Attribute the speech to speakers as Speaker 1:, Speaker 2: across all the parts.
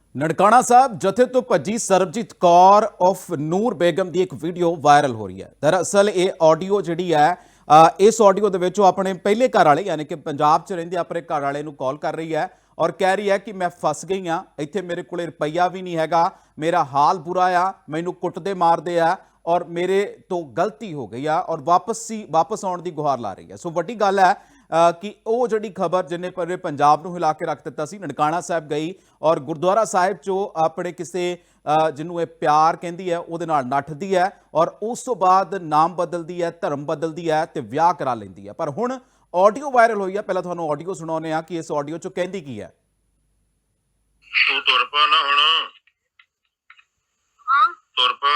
Speaker 1: ਨਨਕਾਣਾ ਸਾਹਿਬ ਜਥੇ ਤੋਂ ਭੱਜੀ ਸਰਬਜੀਤ ਕੌਰ ਉਰਫ ਨੂਰ ਬੇਗਮ ਦੀ ਇੱਕ ਵੀਡੀਓ ਵਾਇਰਲ ਹੋ ਰਹੀ ਹੈ। ਦਰਅਸਲ ਇਹ ਆਡੀਓ ਜਿਹੜੀ ਹੈ ਇਸ ਆਡੀਓ ਦੇ ਵਿੱਚ ਉਹ ਆਪਣੇ ਪਹਿਲੇ ਘਰ ਵਾਲੇ ਯਾਨੀ ਕਿ ਪੰਜਾਬ 'ਚ ਰਹਿੰਦੇ ਆਪਣੇ ਘਰ ਵਾਲੇ ਨੂੰ ਕਾਲ ਕਰ ਰਹੀ ਹੈ ਔਰ ਕਹਿ ਰਹੀ ਹੈ ਕਿ ਮੈਂ ਫਸ ਗਈ ਹਾਂ, ਇੱਥੇ ਮੇਰੇ ਕੋਲੇ ਰੁਪਈਆ ਵੀ ਨਹੀਂ ਹੈਗਾ, ਮੇਰਾ ਹਾਲ ਬੁਰਾ ਆ, ਮੈਨੂੰ ਕੁੱਟਦੇ ਮਾਰਦੇ ਆ ਔਰ ਮੇਰੇ ਤੋਂ ਗਲਤੀ ਹੋ ਗਈ ਆ ਔਰ ਵਾਪਸ ਆਉਣ ਦੀ ਗੁਹਾਰ ਲਾ ਰਹੀ ਹੈ। ਸੋ ਵੱਡੀ ਗੱਲ ਹੈ ਕਿ ਉਹ ਜਿਹੜੀ ਖਬਰ ਜਿੰਨੇ ਪੂਰੇ ਪੰਜਾਬ ਨੂੰ ਹਿਲਾ ਕੇ ਰੱਖ ਦਿੱਤਾ ਸੀ, ਨਨਕਾਣਾ ਸਾਹਿਬ ਗਈ ਔਰ ਗੁਰਦੁਆਰਾ ਸਾਹਿਬ 'ਚੋਂ ਆਪਣੇ ਕਿਸੇ ਜਿਹਨੂੰ ਇਹ ਪਿਆਰ ਕਹਿੰਦੀ ਹੈ ਉਹਦੇ ਨਾਲ ਨੱਠਦੀ ਹੈ ਔਰ ਉਸ ਤੋਂ ਬਾਅਦ ਨਾਮ ਬਦਲਦੀ ਹੈ, ਧਰਮ ਬਦਲਦੀ ਹੈ ਤੇ ਵਿਆਹ ਕਰਾ ਲੈਂਦੀ ਹੈ। ਪਰ ਹੁਣ ਆਡੀਓ ਵਾਇਰਲ ਹੋਈ ਹੈ। ਪਹਿਲਾਂ ਤੁਹਾਨੂੰ ਆਡੀਓ ਸੁਣਾਉਂਦੇ ਆ ਕਿ ਇਸ ਆਡੀਓ 'ਚ ਕਹਿੰਦੀ ਕੀ ਹੈ।
Speaker 2: ਤੂੰ ਤੁਰ ਪਾ ਨਾ ਹੁਣ।
Speaker 3: ਹਾਂ
Speaker 2: ਤੁਰ ਪਾ।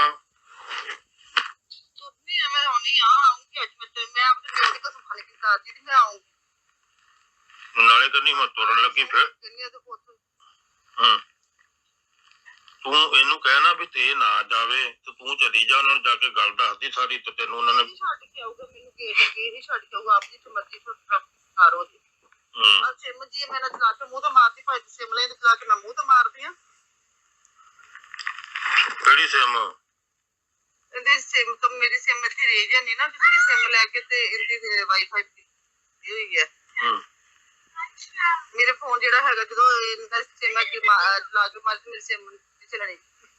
Speaker 3: ਤੁਰਨੀ ਆ, ਮੈਂ ਆਉਣੀ ਆ, ਆਉਂਗੀ ਅੱਜ ਮੈਂ ਆਪਣੇ ਪਿਓ ਦੀ ਕਸਮ ਖਾ ਲਈ ਕਿ ਸਾਰ ਜੀ ਦੀ ਮੈਂ ਆਉਂਗੀ।
Speaker 2: ਨਾਲੇ ਤਾਂ ਨਹੀਂ ਮੈਂ ਤੁਰਨ ਲੱਗੀ ਫਿਰ।
Speaker 3: ਕਿੰਨੀ ਆ ਤੇ ਪੁੱਤ
Speaker 2: ਹਾਂ ਤੂੰ ਇਹਨੂੰ ਕਹਿਣਾ ਵੀ ਤੇ ਨਾ ਜਾਵੇ ਤੇ ਤੂੰ ਚਲੀ ਜਾ, ਉਹਨਾਂ ਨੂੰ ਜਾ ਕੇ ਗੱਲ ਦੱਸਦੀ ਸਾਰੀ ਤੇ ਤੈਨੂੰ ਉਹਨਾਂ ਨੇ
Speaker 3: ਛੱਡ ਕੇ ਆਊਗਾ, ਮੈਨੂੰ ਗੇਟ ਅੱਗੇ ਹੀ ਛੱਡ ਕੇ ਆਊਗਾ, ਆਪਣੀ ਮਰਜ਼ੀ ਤੋਂ ਸਾਰੋ ਦੀ। ਆ ਸਿਮ ਜੀ ਮੇਰਾ ਚਲਾ ਕੇ ਮੂੰਹ ਤਾਂ ਮਾਰਦੀ, ਭਾਈ ਸਿਮ ਲੈ ਤੇ ਚਲਾ ਕੇ ਮੈਂ ਮੂੰਹ ਤਾਂ ਮਾਰਦੀ ਆ।
Speaker 2: ਕਿਹੜੀ ਸਿਮ?
Speaker 3: ਇਹਦੇ ਸਿਮ ਤੋਂ ਮੇਰੀ ਸਿਮ ਇੱਥੇ ਰਹਿ ਜਾਂਦੀ ਨਾ, ਕਿਸੇ ਦੀ ਸਿਮ ਲੈ ਕੇ ਤੇ ਇਹਦੀ ਵਾਈਫਾਈ ਦੀ ਹੋਈ ਹੈ। ਮੇਰੇ ਫੋਨ ਜਿਹੜਾ ਹੈਗਾ ਜਦੋਂ ਇਹਦਾ ਸਿਮ ਕਿ ਚਲਾ ਕੇ ਮਾਰ ਮੇਰੀ ਸਿਮ ਚਲਾਣੀ,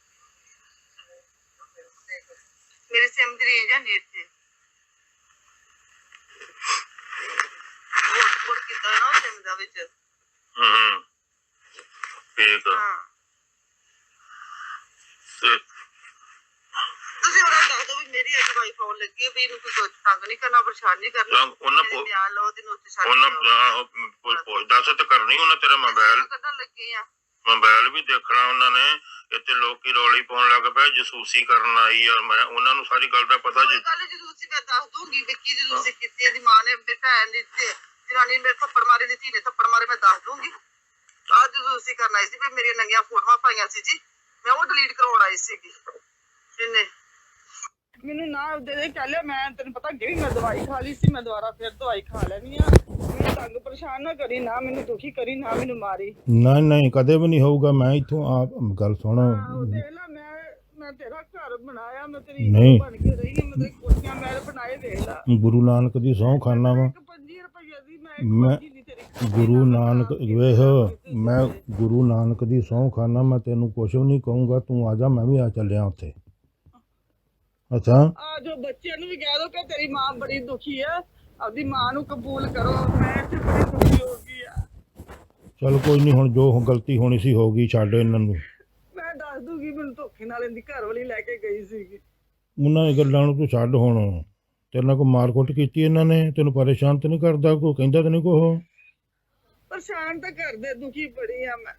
Speaker 3: ਮੇਰੀ ਸਿਮ ਦੀ ਰੇਂਜ ਹੈ ਨਹੀਂ ਇੱਥੇ। ਹੋਰ ਕਿੱਦਾਂ ਨਾ ਸਿਮ ਦਾ ਵਿੱਚ
Speaker 2: ਠੀਕ ਆ।
Speaker 3: ਹਾਂ
Speaker 2: ਤੇ
Speaker 3: ਤੁਸੀਂ ਉਹਨਾਂ ਨੂੰ ਦੱਸ ਦਿਓ ਵੀ ਮੇਰੀ ਅੱਜ ਵਾਈਫ ਆਉਣ ਲੱਗੀ ਹੈ, ਵੀ ਇਹਨੂੰ ਕੋਈ ਤੰਗ ਨਹੀਂ ਕਰਨਾ, ਪਰੇਸ਼ਾਨ ਨਹੀਂ ਕਰਨਾ।
Speaker 2: ਉਹਨਾਂ
Speaker 3: ਬਿਆਨ ਲਓ ਤੇ ਨੋਟ ਛੱਡ
Speaker 2: ਉਹਨਾਂ
Speaker 3: ਦਿਓ।
Speaker 2: ਪੁੱਛਦਾ ਤੇ ਕਰਨੀ ਉਹਨਾਂ ਤੇਰਾ ਮੋਬਾਈਲ
Speaker 3: ਕੱਢਣ ਲੱਗੇ ਆ।
Speaker 2: ਮੋਬਾਈਲ ਵੀ ਦੇਖਣਾ ਉਹਨਾਂ ਨੇ। ਇੱਥੇ ਲੋਕੀ ਰੌਲੀ ਪਾਉਣ ਲੱਗ ਪਏ ਜਸੂਸੀ ਕਰਨ ਆਈ ਆ। ਮੈਂ ਉਹਨਾਂ ਨੂੰ ਸਾਰੀ ਗੱਲ ਦਾ ਪਤਾ ਜੀ।
Speaker 3: ਗੱਲ ਜਦੋਂ ਤੁਸੀਂ ਮੈਂ ਦੱਸ ਦੂੰਗੀ ਵਿੱਕੀ ਜਦੋਂ ਤੁਸੀਂ ਕੀਤੀ, ਇਹਦੀ ਮਾਂ ਨੇ ਮੇਰੇ ਭੈਣ ਦੀ ਤੇ ਜਨਾਨੀ ਮੇਰੇ ਥੱਪੜ ਮਾਰੇ, ਦੀ ਧੀ ਨੇ ਥੱਪੜ ਮਾਰੇ, ਮੈਂ ਦੱਸ ਦੂੰਗੀ। ਆਹ ਜਦੋਂ ਤੁਸੀਂ ਕਰਨ ਆਈ ਸੀ ਵੀ ਮੇਰੀਆਂ ਨੰਗੀਆਂ ਫੋਟੋਆਂ ਪਾਈਆਂ ਸੀ ਜੀ, ਮੈਂ ਉਹ ਡਿਲੀਟ ਕਰਵਾਉਣ ਆਈ ਸੀਗੀ। ਇਹਨੇ ਮੈਨੂੰ ਨਾ ਦੇ ਕਹਿ ਲਿਆ, ਮੈਂ ਤੈਨੂੰ ਪਤਾ ਅੱਗੇ ਵੀ ਮੈਂ ਦਵਾਈ ਖਾ ਲਈ ਸੀ, ਮੈਂ ਦੁਬਾਰਾ ਫਿਰ ਦਵਾਈ ਖਾ ਲੈਣੀ ਆ। ਮੈਨੂੰ ਤੰਗ ਪਰੇਸ਼ਾਨ ਨਾ ਕਰੀ, ਨਾ ਮੈਨੂੰ ਦੁਖੀ ਕਰੀ, ਨਾ ਮੈਨੂੰ ਮਾਰੀ।
Speaker 4: ਨਹੀਂ ਨਹੀਂ ਕਦੇ ਵੀ ਨਹੀਂ ਹੋਊਗਾ। ਮੈਂ ਇੱਥੋਂ ਆਪ ਗੱਲ ਸੁਣ।
Speaker 3: ਦੇਖ ਲੈ, ਮੈਂ ਤੇਰਾ ਘਰ ਬਣਾਇਆ, ਮੈਂ ਤੇਰੀ
Speaker 4: ਨਹੀਂ।
Speaker 3: ਬਣ ਕੇ ਰਹੀ ਹਾਂ, ਮੈਂ ਤੇਰੀ ਕੋਠੀਆਂ ਮੈਂ ਬਣਾਏ, ਦੇਖ ਲੈ।
Speaker 4: ਗੁਰੂ ਨਾਨਕ ਦੀ ਸਹੁੰ ਖਾਨਾ ਵਾ।
Speaker 3: 25 ਰੁਪਏ ਦੀ
Speaker 4: ਮੈਂ ਗੁਰੂ ਨਾਨਕ ਵੇਖ, ਮੈਂ ਗੁਰੂ ਨਾਨਕ ਦੀ ਸਹੁੰ ਖਾਨਾ, ਮੈਂ ਤੈਨੂੰ ਕੁਛ ਵੀ ਨਹੀਂ ਕਹੂੰਗਾ। ਤੂੰ ਆ ਜਾ, ਮੈਂ ਵੀ ਆ ਚੱਲਿਆ ਉੱਥੇ। ਅੱਛਾ
Speaker 3: ਆ ਜੋ ਬੱਚਿਆਂ ਨੂੰ ਵੀ ਕਹਿ ਦੋ ਕਿ ਤੇਰੀ ਮਾਂ ਬੜੀ ਦੁਖੀ ਹੈ, ਆਪਦੀ ਮਾਂ ਨੂੰ ਕਬੂਲ ਕਰੋ। ਮੈਂ ਤੇ ਬੜੀ ਦੁਖੀ ਹੋ ਗਈ ਆ।
Speaker 4: ਚਲ ਕੋਈ ਨਹੀਂ, ਹੁਣ ਜੋ ਗਲਤੀ ਹੋਣੀ ਸੀ ਹੋ ਗਈ, ਛੱਡ ਇਹਨਾਂ ਨੂੰ।
Speaker 3: ਮੈਂ ਦੱਸ ਦੂਗੀ, ਮੈਨੂੰ ਧੋਖੇ ਨਾਲ ਇਹਦੀ ਘਰ ਵਾਲੀ ਲੈ ਕੇ ਗਈ ਸੀਗੀ।
Speaker 4: ਉਹਨਾਂ ਦੀ ਗੱਲਾਂ ਨੂੰ ਤੂੰ ਛੱਡ ਹੁਣ। ਤੇਰੇ ਨਾਲ ਕੋਈ ਮਾਰਕੁੱਟ ਕੀਤੀ ਇਹਨਾਂ ਨੇ? ਤੈਨੂੰ ਪਰੇਸ਼ਾਨ ਤਾਂ ਨਹੀਂ ਕਰਦਾ? ਕੋਈ ਕਹਿੰਦਾ ਤਾਂ ਨਹੀਂ ਕੁਛ?
Speaker 3: ਪਰੇਸ਼ਾਨ ਤਾਂ ਕਰਦੇ, ਦੁਖੀ ਬੜੀ ਆ ਮੈਂ।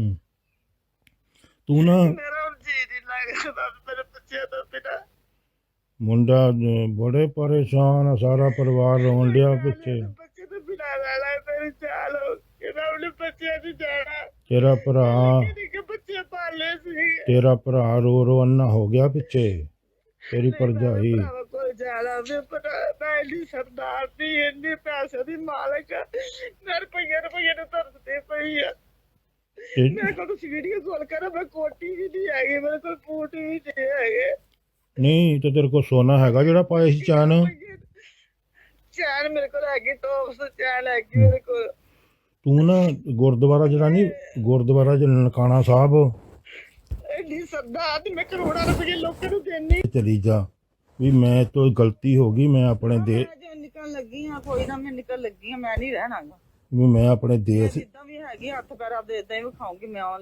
Speaker 4: ਤੂੰ ਨਾ
Speaker 3: ਮੇਰਾ ਹੁਣ ਜੀ ਨਹੀਂ ਲੱਗਦਾ ਮੇਰੇ ਬੱਚਿਆਂ ਤੋਂ ਬਿਨਾਂ।
Speaker 4: ਮੁੰਡਾ ਬੜੇ ਪਰੇਸ਼ਾਨ ਆ, ਸਾਰਾ ਪਰਿਵਾਰ ਰੋਣ ਡਿਆ ਪਿੱਛੇ।
Speaker 3: ਬੱਚੇ ਤੋਂ ਬਿਨਾਂ ਰਹਿਣਾ ਮੇਰੇ ਚਾਲ ਹੋ ਕਿਹੜਾ ਉਹਨੇ ਬੱਚਿਆਂ ਦੀ ਜਾਣਾ।
Speaker 4: ਤੇਰਾ ਭਰਾ
Speaker 3: ਕਿ ਬੱਚੇ ਪਾਲੇ ਸੀ।
Speaker 4: ਤੇਰਾ ਭਰਾ ਰੋ ਰੋ ਅੰਨਾ ਹੋ ਗਿਆ ਪਿੱਛੇ। ਤੇਰੀ ਭਰਜਾਈ
Speaker 3: ਕੋਈ ਜਾਣਾ ਮੈਂ ਇੰਨੀ ਸਰਦਾਰ ਦੀ, ਇੰਨੇ ਪੈਸੇ ਦੀ ਮਾਲਕ, ਮੈਂ ਰੁਪਈਏ ਨੂੰ ਤਰਸਦੇ ਪਈ ਆ। ਮੇਰੇ ਕੋਲ ਤੁਸੀਂ ਵੀਡੀਓ ਕਾਲ ਕਰੋ, ਮੈਂ ਕੋਟੀ ਵੀ ਨਹੀਂ ਹੈਗੀ, ਮੇਰੇ ਕੋਲ ਬੂਟ ਵੀ ਨਹੀਂ ਹੈਗੇ।
Speaker 4: ਨਹੀਂ ਤੇ ਤੇਰੇ ਕੋਲ ਸੋਨਾ ਹੈਗਾ ਜਿਹੜਾ ਪਾਇਆ ਸੀ ਚੈਨ?
Speaker 3: ਚੈਨ ਮੇਰੇ ਕੋਲ ਹੈਗੀ, ਟੋਪਸ ਚੈਨ ਹੈਗੀ ਮੇਰੇ ਕੋਲ।
Speaker 4: ਤੂੰ ਨਾ ਗੁਰਦੁਆਰਾ ਜਿਹੜਾ ਨਹੀਂ, ਗੁਰਦੁਆਰਾ ਜਿਹੜਾ ਨਨਕਾਣਾ ਸਾਹਿਬ,
Speaker 3: ਇੰਨੀ ਸਰਦਾਰ ਦੀ, ਮੈਂ ਕਰੋੜਾਂ ਰੁਪਏ ਲੋਕਾਂ ਨੂੰ ਦੇਣੀ।
Speaker 4: ਚਲੀ ਜਾ ਵੀ ਮੈਂ ਤੋਂ ਗਲਤੀ ਹੋ ਗਈ, ਮੈਂ ਆਪਣੇ ਦੇ
Speaker 3: ਨਿਕਲ ਲੱਗੀ ਆ, ਕੋਈ ਨਾ, ਮੈਂ ਨਿਕਲ ਲੱਗੀ ਆ, ਮੈਂ ਨਹੀਂ ਰਹਿਣਾਗਾ।
Speaker 4: ਵੀ ਮੈਂ ਆਪਣੇ ਦੇਸ਼
Speaker 3: ਜਿੱਦਾਂ ਵੀ ਹੈਗੀ ਹੱਥ ਪੈਰ ਆਪਦੇ ਇਦਾਂ ਹੀ ਵਿਖਾਉਂਗੀ ਮੈਂ।